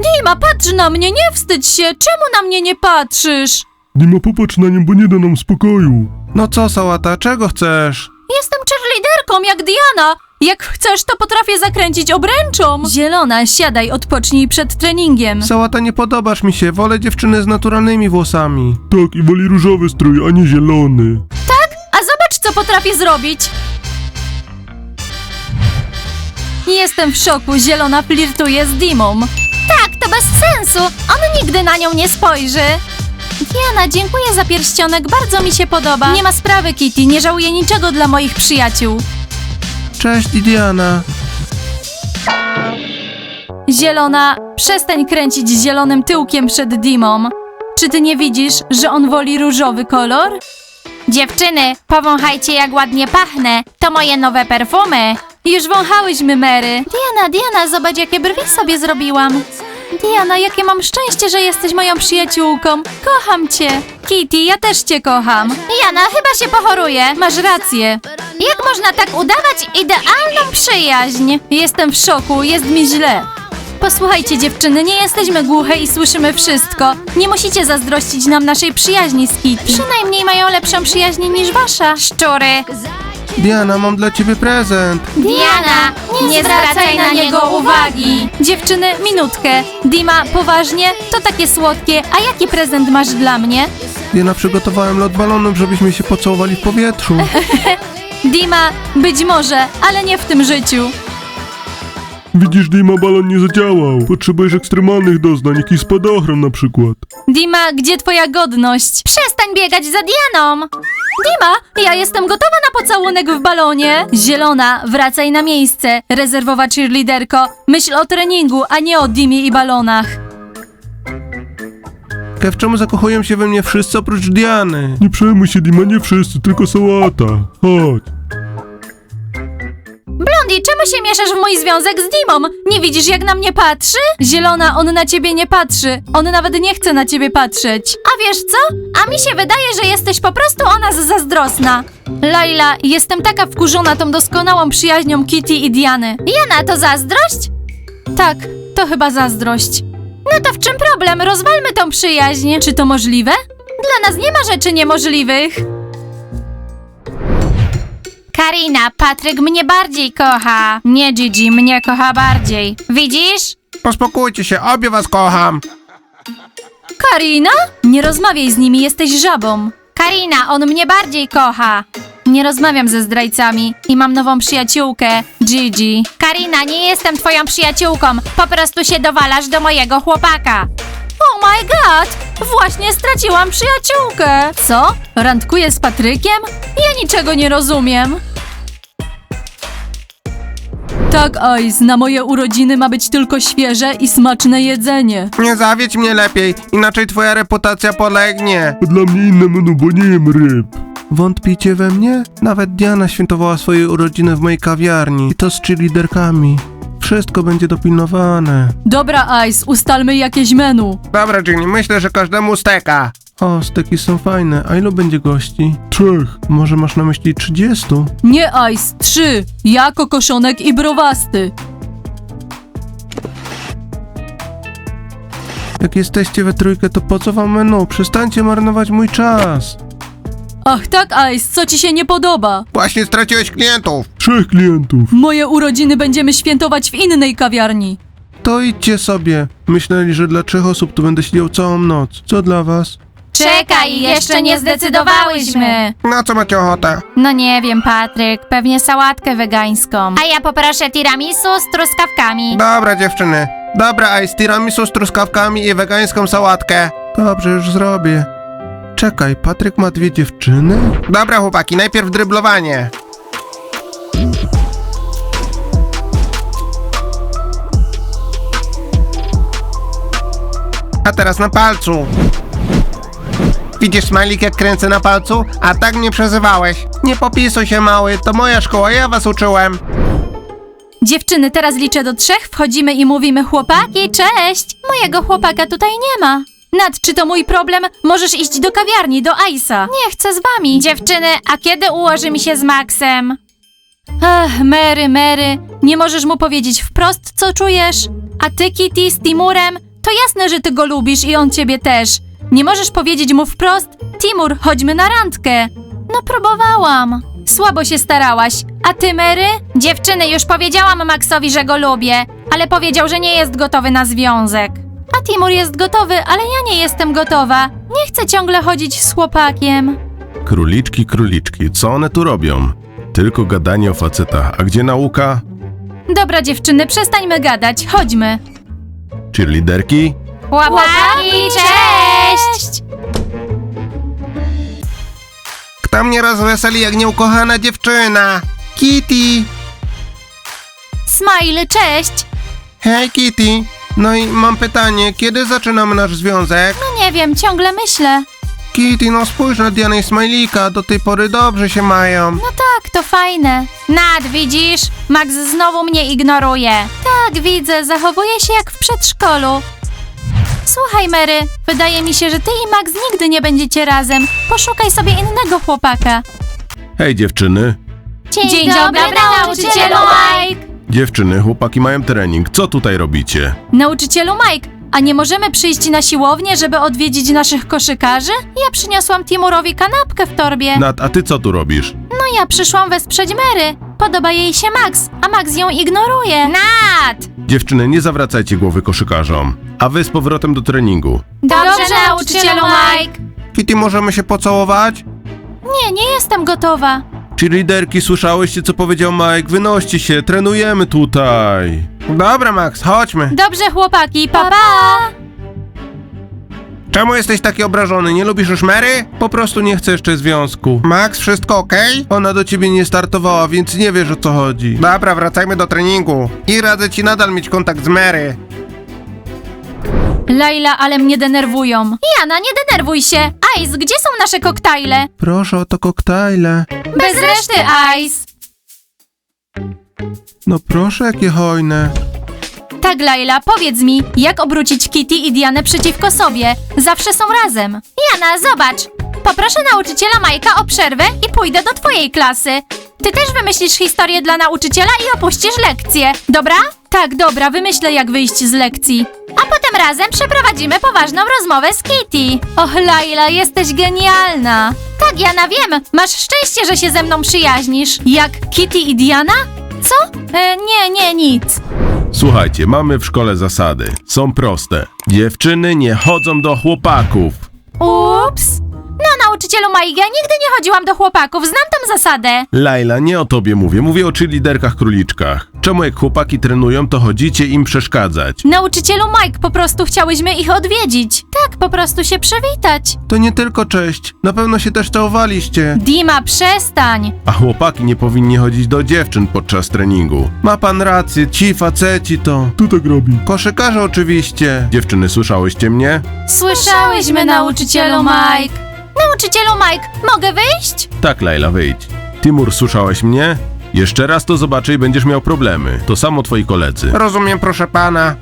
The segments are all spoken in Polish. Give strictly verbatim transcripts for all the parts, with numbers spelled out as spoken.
Dima, patrz na mnie, nie wstydź się! Czemu na mnie nie patrzysz? Dima, popatrz na nią, bo nie da nam spokoju. No co, Sałata, czego chcesz? Jestem cheerleaderką jak Diana! Jak chcesz, to potrafię zakręcić obręczą! Zielona, siadaj, odpocznij przed treningiem. Sałata, nie podobasz mi się, wolę dziewczyny z naturalnymi włosami. Tak, i woli różowy strój, a nie zielony. A zobacz, co potrafię zrobić! Jestem w szoku, Zielona flirtuje z Dimą. Tak, to bez sensu! On nigdy na nią nie spojrzy. Diana, dziękuję za pierścionek, bardzo mi się podoba. Nie ma sprawy, Kitty, nie żałuję niczego dla moich przyjaciół. Cześć, Diana. Zielona, przestań kręcić zielonym tyłkiem przed Dimą. Czy ty nie widzisz, że on woli różowy kolor? Dziewczyny, powąchajcie jak ładnie pachnę. To moje nowe perfumy. Już wąchałyśmy, Mary. Diana, Diana, zobacz jakie brwi sobie zrobiłam. Diana, jakie mam szczęście, że jesteś moją przyjaciółką. Kocham cię. Kitty, ja też cię kocham. Jana, chyba się pochoruje. Masz rację. Jak można tak udawać idealną przyjaźń? Jestem w szoku, jest mi źle. Posłuchajcie dziewczyny, nie jesteśmy głuche i słyszymy wszystko. Nie musicie zazdrościć nam naszej przyjaźni z Kitty. Przynajmniej mają lepszą przyjaźń niż wasza. Szczury. Diana, mam dla ciebie prezent. Diana, nie, nie zwracaj na niego uwagi. Dziewczyny, minutkę. Dima, poważnie? To takie słodkie. A jaki prezent masz dla mnie? Diana, przygotowałem lot balonów, żebyśmy się pocałowali w powietrzu. Dima, być może, ale nie w tym życiu. Widzisz, Dima, balon nie zadziałał. Potrzebujesz ekstremalnych doznań, jakiś spadochron na przykład. Dima, gdzie twoja godność? Przestań biegać za Dianą! Dima, ja jestem gotowa na pocałunek w balonie. Zielona, wracaj na miejsce. Rezerwowa cheerleaderko, myśl o treningu, a nie o Dimie i balonach. Kev, czemu zakochują się we mnie wszyscy oprócz Diany? Nie przejmuj się, Dima, nie wszyscy, tylko Sałata. Chodź. Blondi, czemu się mieszasz w mój związek z Dimą? Nie widzisz, jak na mnie patrzy? Zielona, on na ciebie nie patrzy. On nawet nie chce na ciebie patrzeć. A wiesz co? A mi się wydaje, że jesteś po prostu o nas zazdrosna. Laila, jestem taka wkurzona tą doskonałą przyjaźnią Kitty i Diany. Jana, to zazdrość? Tak, to chyba zazdrość. No to w czym problem? Rozwalmy tą przyjaźń. Czy to możliwe? Dla nas nie ma rzeczy niemożliwych. Karina, Patryk mnie bardziej kocha. Nie, Gigi, mnie kocha bardziej. Widzisz? Pospokójcie się, obie was kocham. Karina? Nie rozmawiaj z nimi, jesteś żabą. Karina, on mnie bardziej kocha. Nie rozmawiam ze zdrajcami i mam nową przyjaciółkę, Gigi. Karina, nie jestem twoją przyjaciółką. Po prostu się dowalasz do mojego chłopaka. Oh my god! Właśnie straciłam przyjaciółkę. Co? Randkuję z Patrykiem? Ja niczego nie rozumiem. Tak, Ice, na moje urodziny ma być tylko świeże i smaczne jedzenie. Nie zawiedź mnie lepiej, inaczej twoja reputacja polegnie. A dla mnie inne menu, bo nie jem ryb. Wątpicie we mnie? Nawet Diana świętowała swoje urodziny w mojej kawiarni. I to z cheerleaderkami. Wszystko będzie dopilnowane. Dobra, Ice, ustalmy jakieś menu. Dobra, Ginny, myślę, że każdemu steka. O, steki są fajne. A ilu będzie gości? Trzech. Może masz na myśli trzydziestu? Nie, Ice, trzy. Ja, kokoszonek i browasty. Jak jesteście we trójkę, to po co wam menu? Przestańcie marnować mój czas. Ach tak, Ice, co ci się nie podoba? Właśnie straciłeś klientów. Trzech klientów. Moje urodziny będziemy świętować w innej kawiarni. To idźcie sobie. Myśleli, że dla trzech osób tu będę siedział całą noc. Co dla was? Czekaj, jeszcze nie zdecydowałyśmy. Na co macie ochotę? No nie wiem, Patryk, pewnie sałatkę wegańską. A ja poproszę tiramisu z truskawkami. Dobra, dziewczyny. Dobra, ice tiramisu z truskawkami i wegańską sałatkę. Dobrze, już zrobię. Czekaj, Patryk ma dwie dziewczyny? Dobra, chłopaki, najpierw dryblowanie. A teraz na palcu. Widzisz, Smajlik, jak kręcę na palcu? A tak mnie przezywałeś. Nie popisuj się, mały, to moja szkoła, ja was uczyłem. Dziewczyny, teraz liczę do trzech, wchodzimy i mówimy chłopaki, cześć! Mojego chłopaka tutaj nie ma. Nat, czy to mój problem? Możesz iść do kawiarni, do Ice'a. Nie chcę z wami. Dziewczyny, a kiedy ułoży mi się z Maxem? Ach, Mary, Mary, nie możesz mu powiedzieć wprost, co czujesz? A ty, Kitty, z Timurem? To jasne, że ty go lubisz i on ciebie też. Nie możesz powiedzieć mu wprost: Timur, chodźmy na randkę. No próbowałam. Słabo się starałaś. A ty, Mary? Dziewczyny, już powiedziałam Maxowi, że go lubię, ale powiedział, że nie jest gotowy na związek. A Timur jest gotowy, ale ja nie jestem gotowa. Nie chcę ciągle chodzić z chłopakiem. Króliczki, króliczki, co one tu robią? Tylko gadanie o facetach, a gdzie nauka? Dobra, dziewczyny, przestańmy gadać, chodźmy. Cheerleaderki? Chłopaki, cześć! Kto mnie rozweseli jak nieukochana dziewczyna? Kitty! Smile, cześć! Hej, Kitty! No i mam pytanie, kiedy zaczynamy nasz związek? No nie wiem, ciągle myślę. Kitty, no spójrz na Dianę i Smajlika, do tej pory dobrze się mają. No tak, to fajne. Nad, widzisz? Max znowu mnie ignoruje. Tak, widzę, zachowuje się jak w przedszkolu. Słuchaj, Mary, wydaje mi się, że ty i Max nigdy nie będziecie razem. Poszukaj sobie innego chłopaka. Hej dziewczyny. Dzień, Dzień dobry, nauczycielu Mike! Dziewczyny, chłopaki mają trening, co tutaj robicie? Nauczycielu Mike, a nie możemy przyjść na siłownię, żeby odwiedzić naszych koszykarzy? Ja przyniosłam Timurowi kanapkę w torbie. Nat, a ty co tu robisz? No ja przyszłam wesprzeć Mary. Podoba jej się Max, a Max ją ignoruje. Nat! Dziewczyny, nie zawracajcie głowy koszykarzom. A wy z powrotem do treningu. Dobrze, nauczycielu Mike. Kitty, możemy się pocałować? Nie, nie jestem gotowa. Cheerleaderki, słyszałyście co powiedział Mike? Wynoście się, trenujemy tutaj. Dobra, Max, chodźmy. Dobrze, chłopaki, pa pa! Czemu jesteś taki obrażony? Nie lubisz już Mary? Po prostu nie chcę jeszcze związku. Max, wszystko okej? Ona do ciebie nie startowała, więc nie wiesz o co chodzi. Dobra, wracajmy do treningu. I radzę ci nadal mieć kontakt z Mary. Laila, ale mnie denerwują. Jana, nie denerwuj się. Ice, gdzie są nasze koktajle? Proszę o to koktajle. Bez reszty, Ice. No proszę, jakie hojne. Tak, Laila, powiedz mi, jak obrócić Kitty i Dianę przeciwko sobie? Zawsze są razem. Jana, zobacz. Poproszę nauczyciela Majka o przerwę i pójdę do twojej klasy. Ty też wymyślisz historię dla nauczyciela i opuścisz lekcję, dobra? Tak, dobra, wymyślę jak wyjść z lekcji. A potem razem przeprowadzimy poważną rozmowę z Kitty. Och, Laila, jesteś genialna. Tak, Jana, wiem. Masz szczęście, że się ze mną przyjaźnisz. Jak Kitty i Diana? Co? E, nie, nie, nic. Słuchajcie, mamy w szkole zasady. Są proste. Dziewczyny nie chodzą do chłopaków. Ups. No, nauczycielu Mike, ja nigdy nie chodziłam do chłopaków, znam tam zasadę. Laila, nie o tobie mówię, mówię o cheerleaderkach króliczkach. Czemu jak chłopaki trenują, to chodzicie im przeszkadzać? Nauczycielu Mike, po prostu chciałyśmy ich odwiedzić. Tak, po prostu się przywitać. To nie tylko cześć. Na pewno się też całowaliście. Dima, przestań. A chłopaki nie powinni chodzić do dziewczyn podczas treningu. Ma pan rację, ci faceci to... Kto tak robi? Koszykarze oczywiście. Dziewczyny, słyszałyście mnie? Słyszałyśmy, nauczycielu Mike. Nauczycielu Mike, mogę wyjść? Tak, Laila, wyjdź. Timur, słyszałeś mnie? Jeszcze raz to zobaczę i będziesz miał problemy. To samo twoi koledzy. Rozumiem, proszę pana.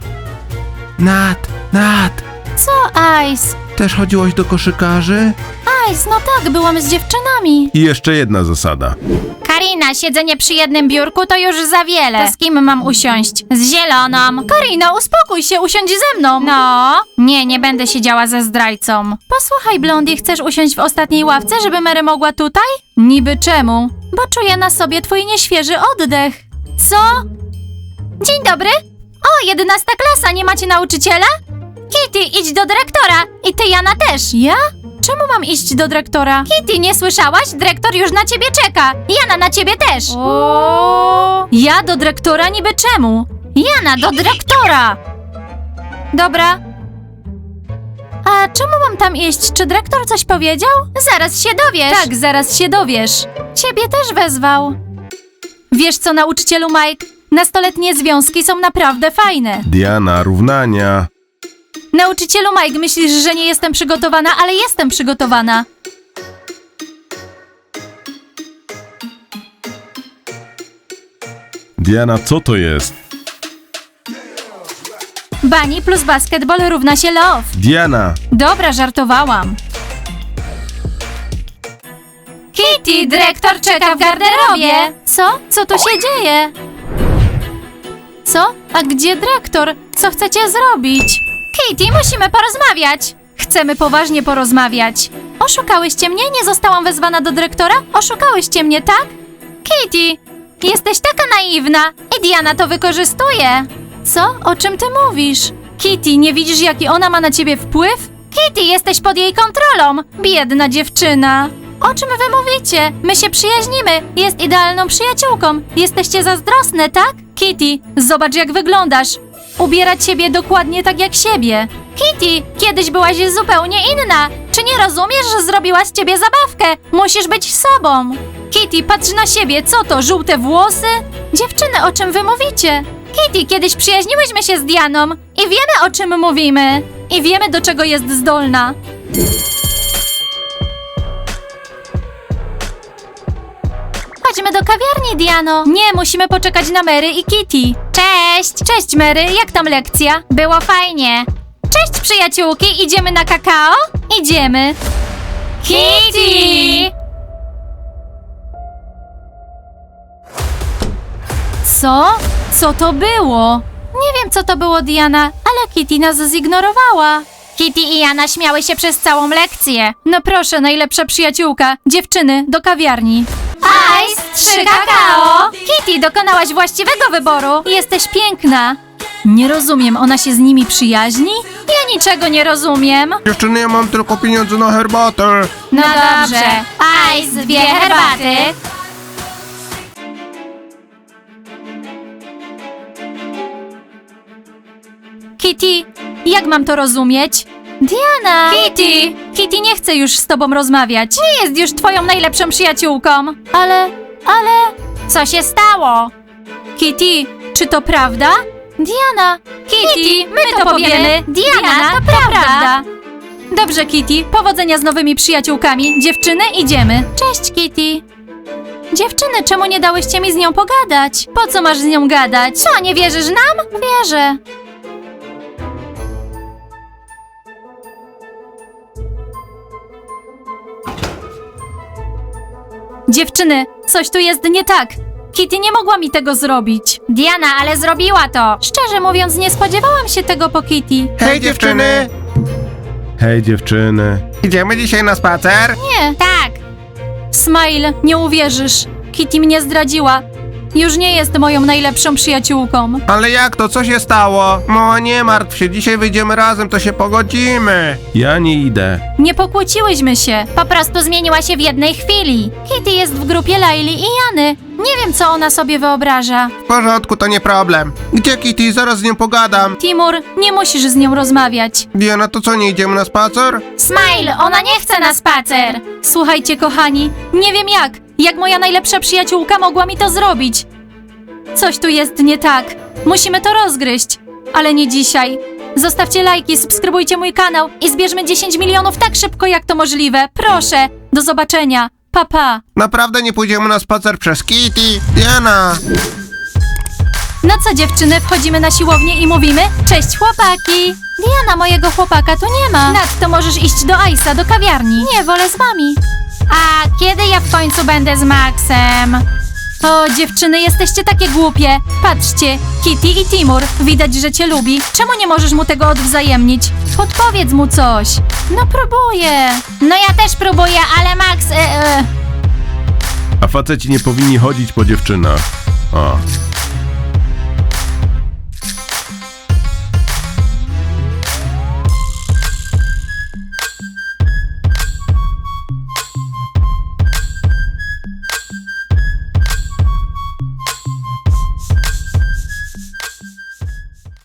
Nat, Nat, Co, Ice? też chodziłaś do koszykarzy? Ice, no tak, byłam z dziewczynami. I jeszcze jedna zasada. Karina, siedzenie przy jednym biurku to już za wiele. To z kim mam usiąść? Z zieloną. Karina, uspokój się, usiądź ze mną. No? Nie, nie będę siedziała ze zdrajcą. Posłuchaj, Blondie, chcesz usiąść w ostatniej ławce, żeby Mary mogła tutaj? Niby czemu? Bo czuję na sobie twój nieświeży oddech. Co? Dzień dobry. O, jedenasta klasa, nie macie nauczyciela? Kitty, idź do dyrektora. I ty, Jana, też. Ja? Czemu mam iść do dyrektora? Kitty, nie słyszałaś? Dyrektor już na ciebie czeka. Jana, na ciebie też. O. Ja do dyrektora niby czemu? Jana, do dyrektora. Dobra. A czemu mam tam iść? Czy dyrektor coś powiedział? Zaraz się dowiesz. Tak, zaraz się dowiesz. Ciebie też wezwał. Wiesz co, nauczycielu Mike? Nastoletnie związki są naprawdę fajne. Diana, równania. Nauczycielu Mike, myślisz, że nie jestem przygotowana, ale jestem przygotowana. Diana, co to jest? Bunny plus basketball równa się love. Diana! Dobra, żartowałam. Kitty, dyrektor czeka w garderobie. Co? Co tu się dzieje? Co? A gdzie dyrektor? Co chcecie zrobić? Kitty, musimy porozmawiać. Chcemy poważnie porozmawiać. Oszukałyście mnie? Nie zostałam wezwana do dyrektora? Oszukałyście mnie, tak? Kitty, jesteś taka naiwna i Diana to wykorzystuje. Co? O czym ty mówisz? Kitty, nie widzisz, jaki ona ma na ciebie wpływ? Kitty, jesteś pod jej kontrolą. Biedna dziewczyna. O czym wy mówicie? My się przyjaźnimy. Jest idealną przyjaciółką. Jesteście zazdrosne, tak? Kitty, zobacz, jak wyglądasz. Ubierać siebie dokładnie tak jak siebie. Kitty, kiedyś byłaś zupełnie inna. Czy nie rozumiesz, że zrobiła z ciebie zabawkę? Musisz być sobą. Kitty, patrz na siebie. Co to, żółte włosy? Dziewczyny, o czym wy mówicie? Kitty, kiedyś przyjaźniłyśmy się z Dianą i wiemy, o czym mówimy. I wiemy, do czego jest zdolna. Chodźmy do kawiarni, Diano. Nie, musimy poczekać na Mary i Kitty. Cześć! Cześć, Mary, jak tam lekcja? Było fajnie. Cześć, przyjaciółki, idziemy na kakao? Idziemy. Kitty! Co? Co to było? Nie wiem, co to było, Diana, ale Kitty nas zignorowała. Kitty i Jana śmiały się przez całą lekcję. No proszę, najlepsza przyjaciółka. Dziewczyny, do kawiarni. Ice, trzy kakao! Kitty, dokonałaś właściwego wyboru. Jesteś piękna. Nie rozumiem, ona się z nimi przyjaźni? Ja niczego nie rozumiem. Dziewczyny, ja mam tylko pieniądze na herbatę. No dobrze. Ice, dwie herbaty. Kitty, jak mam to rozumieć? Diana! Kitty! Kitty nie chce już z tobą rozmawiać. Nie jest już twoją najlepszą przyjaciółką. Ale, ale... Co się stało? Kitty, czy to prawda? Diana! Kitty, my, my to powiemy. Diana, Diana to, to prawda. Dobrze, Kitty, powodzenia z nowymi przyjaciółkami. Dziewczyny, idziemy. Cześć, Kitty. Dziewczyny, czemu nie dałyście mi z nią pogadać? Po co masz z nią gadać? Co, nie wierzysz nam? Wierzę. Dziewczyny, coś tu jest nie tak. Kitty nie mogła mi tego zrobić. Diana, ale zrobiła to. Szczerze mówiąc, nie spodziewałam się tego po Kitty. Hej, dziewczyny! Hej, dziewczyny. Idziemy dzisiaj na spacer? Nie. Tak. Smile, nie uwierzysz. Kitty mnie zdradziła. Już nie jest moją najlepszą przyjaciółką. Ale jak to? Co się stało? No nie martw się, dzisiaj wyjdziemy razem, to się pogodzimy. Ja nie idę. Nie pokłóciłyśmy się. Po prostu zmieniła się w jednej chwili. Kitty jest w grupie Laili i Jany. Nie wiem, co ona sobie wyobraża. W porządku, to nie problem. Gdzie Kitty? Zaraz z nią pogadam. Timur, nie musisz z nią rozmawiać. Diana, to co, nie idziemy na spacer? Smile, ona nie chce na spacer. Słuchajcie, kochani, nie wiem jak. Jak moja najlepsza przyjaciółka mogła mi to zrobić? Coś tu jest nie tak. Musimy to rozgryźć. Ale nie dzisiaj. Zostawcie lajki, subskrybujcie mój kanał i zbierzmy dziesięć milionów tak szybko, jak to możliwe. Proszę. Do zobaczenia. Pa, pa. Naprawdę nie pójdziemy na spacer przez Kitty? Diana! No co, dziewczyny, wchodzimy na siłownię i mówimy cześć, chłopaki. Diana, mojego chłopaka tu nie ma. Nadto możesz iść do Ice'a, do kawiarni. Nie, wolę z wami. A kiedy ja w końcu będę z Maxem? O, dziewczyny, jesteście takie głupie. Patrzcie, Kitty i Timur, widać, że cię lubi. Czemu nie możesz mu tego odwzajemnić? Podpowiedz mu coś. No próbuję. No ja też próbuję, ale Max... E, e. A faceci nie powinni chodzić po dziewczynach. O.